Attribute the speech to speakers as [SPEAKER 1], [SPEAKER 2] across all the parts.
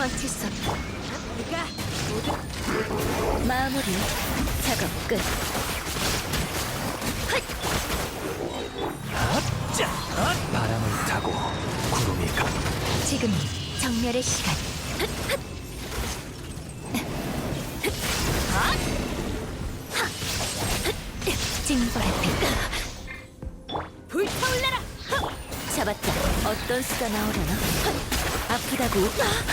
[SPEAKER 1] 도망칠 수 없다. 마무리. 작업 끝.
[SPEAKER 2] 자, 바람을 타고 구름이 가.
[SPEAKER 1] 지금이 정멸의 시간. 징벌의 빛. 불타올라라. 잡았다. 어떤 수가 나오려나? 아프다고.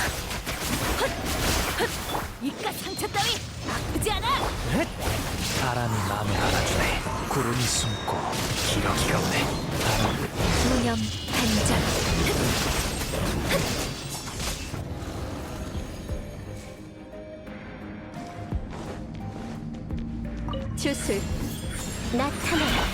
[SPEAKER 1] 이깟 상처 따위 아프지 않아.
[SPEAKER 2] 바람이 마음을 알아주네. 구름이 숨고 기러기가 오네. 바람.
[SPEAKER 1] 무념 단장. 주술 나타나라.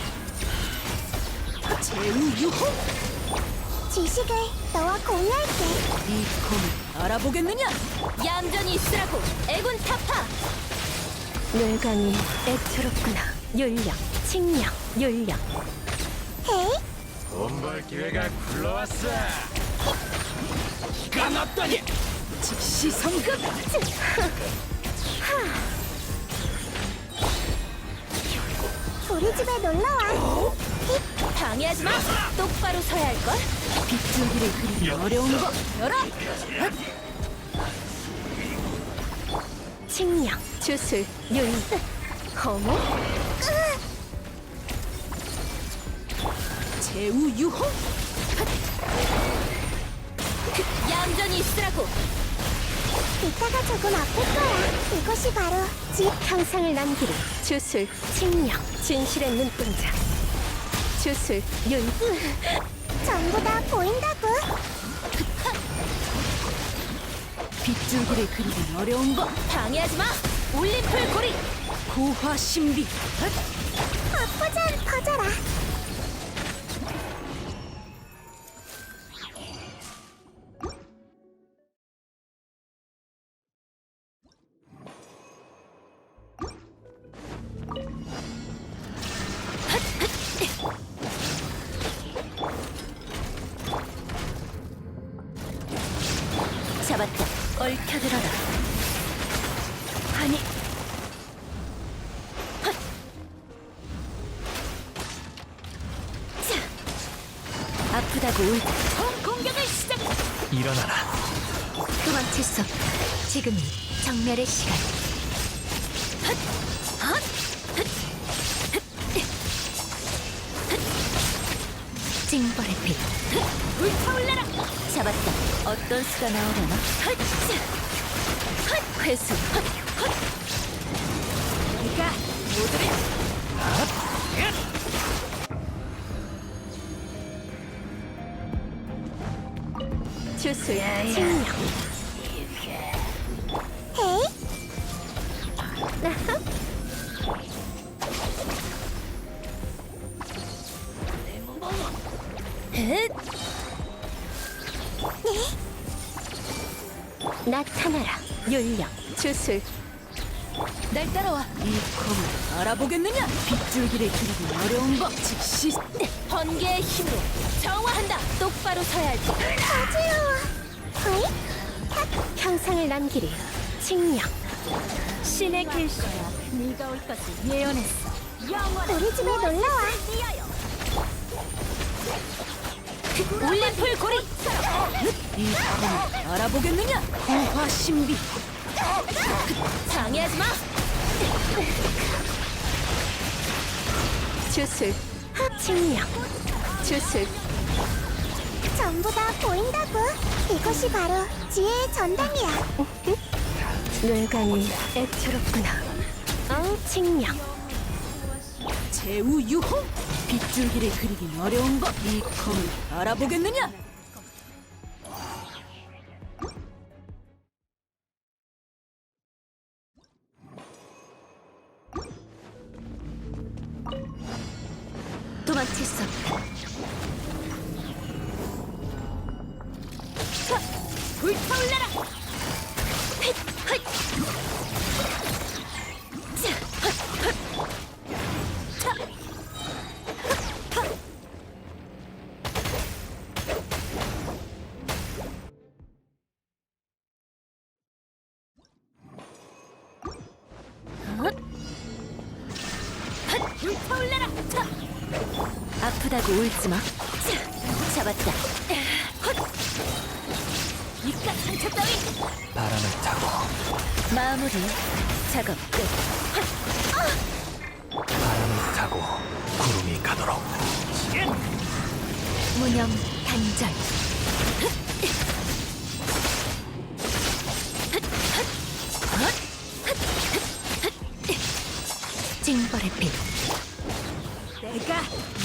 [SPEAKER 1] 제우유호.
[SPEAKER 3] 지식을 너와 공유할게.
[SPEAKER 1] 이 검을 알아보겠느냐? 얌전히 있으라고. 애군 타파. 뇌강이 애처롭구나. 윤력 칭령 윤력.
[SPEAKER 3] 헤이,
[SPEAKER 2] 돈벌 기회가 굴러왔어. 기가 났다니.
[SPEAKER 1] 즉시 성급.
[SPEAKER 3] 우리 집에 놀러와.
[SPEAKER 1] 방해하지 마. 똑바로 서야 할 걸. 빗줄기를 그리기 어려운 거. 열어. 칭령 주술 윤. 허무. 제우유호. 얌전히 있으라고.
[SPEAKER 3] 이따가 조금 아플 거야. 이것이 바로
[SPEAKER 1] 형상을 남기리. 주술 칭령 진실의 눈동자. 주술 윤.
[SPEAKER 3] 전부 다 보인다고.
[SPEAKER 1] 빗줄기를 그리기 어려운 법. 방해하지 마. 올림플 고리. 고화 신비.
[SPEAKER 3] 아프잔 퍼져라.
[SPEAKER 1] 잡았다. 얽혀들어라. 아니. 헛. 자. 아프다고 울다. 공격을 시작.
[SPEAKER 2] 일어나라.
[SPEAKER 1] 도망칠 수 없다. 지금이 정멸의 시간. 헛. 헛. 헛. 헛. 헛. 징벌의 빛. 불타올라라. 잡았다. 어떤 수가 나오려나? 헛. 헛. 회수. 헛. 헛. 네가 모두를. 주술 칭령.
[SPEAKER 3] 헤이,
[SPEAKER 1] 헷. 나타나라. 윤령 주술. 날 따라와. 이 검을 알아보겠느냐? 빗줄기를 그리기 어려운 법. 즉시 번개의 힘으로 정화한다. 똑바로 서야 할 것.
[SPEAKER 3] 어지러워. 헤이,
[SPEAKER 1] 형상을 남기리. 칭령. 신의 길서야. 네가 올 것을 예언했어.
[SPEAKER 3] 우리 집에 놀러와.
[SPEAKER 1] 올림플 고리. 이 검을 알아보겠느냐? 고화 신비. 방해하지 마. 주술 칭령. 주술.
[SPEAKER 3] 전부 다 보인다고. 이것이 바로 지혜의 전당이야.
[SPEAKER 1] 뇌관이 애처롭구나. 칭령. 제우유호. 빗줄기를 그리긴 어려운 법. 이 검을 알아보겠느냐? 도망칠 수 없다. 자, 불타올라라. 불타올라라. 자. 아프다고 울지 마. 자, 잡았다. 헛. 이깟 상처 따위.
[SPEAKER 2] 바람을 타고
[SPEAKER 1] 마무리. 작업 끝.
[SPEAKER 2] 바람을 타고 구름이 가도록.
[SPEAKER 1] 무념 단절. 징벌의 빛. 내가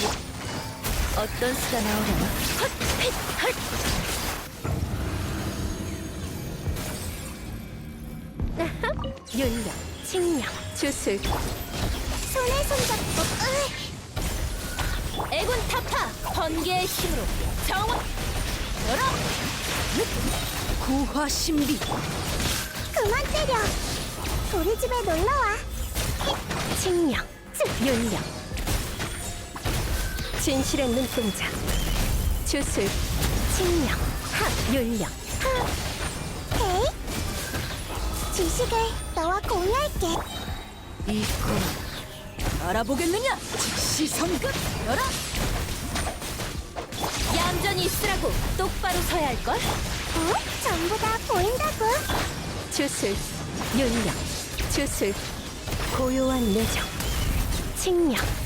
[SPEAKER 1] 어떤 수가 나오려나? 윤력, 칭력, 주술,
[SPEAKER 3] 손에 손잡고
[SPEAKER 1] 애군 타파, 번개의 힘으로 정화. 열어. 구화 신비.
[SPEAKER 3] 그만 때려. 우리 집에 놀러와.
[SPEAKER 1] 칭령, 윤령, 진실의 눈동자, 주술, 칭령, 윤령.
[SPEAKER 3] 헤이. 지식을 너와 공유할게.
[SPEAKER 1] 이 꿈 알아보겠느냐? 즉시 성급. 열어. 얌전히 있으라고. 똑바로 서야 할걸.
[SPEAKER 3] 전부 다 보인다고.
[SPEAKER 1] 주술, 윤령, 주술, 고요한 내정, 칭령,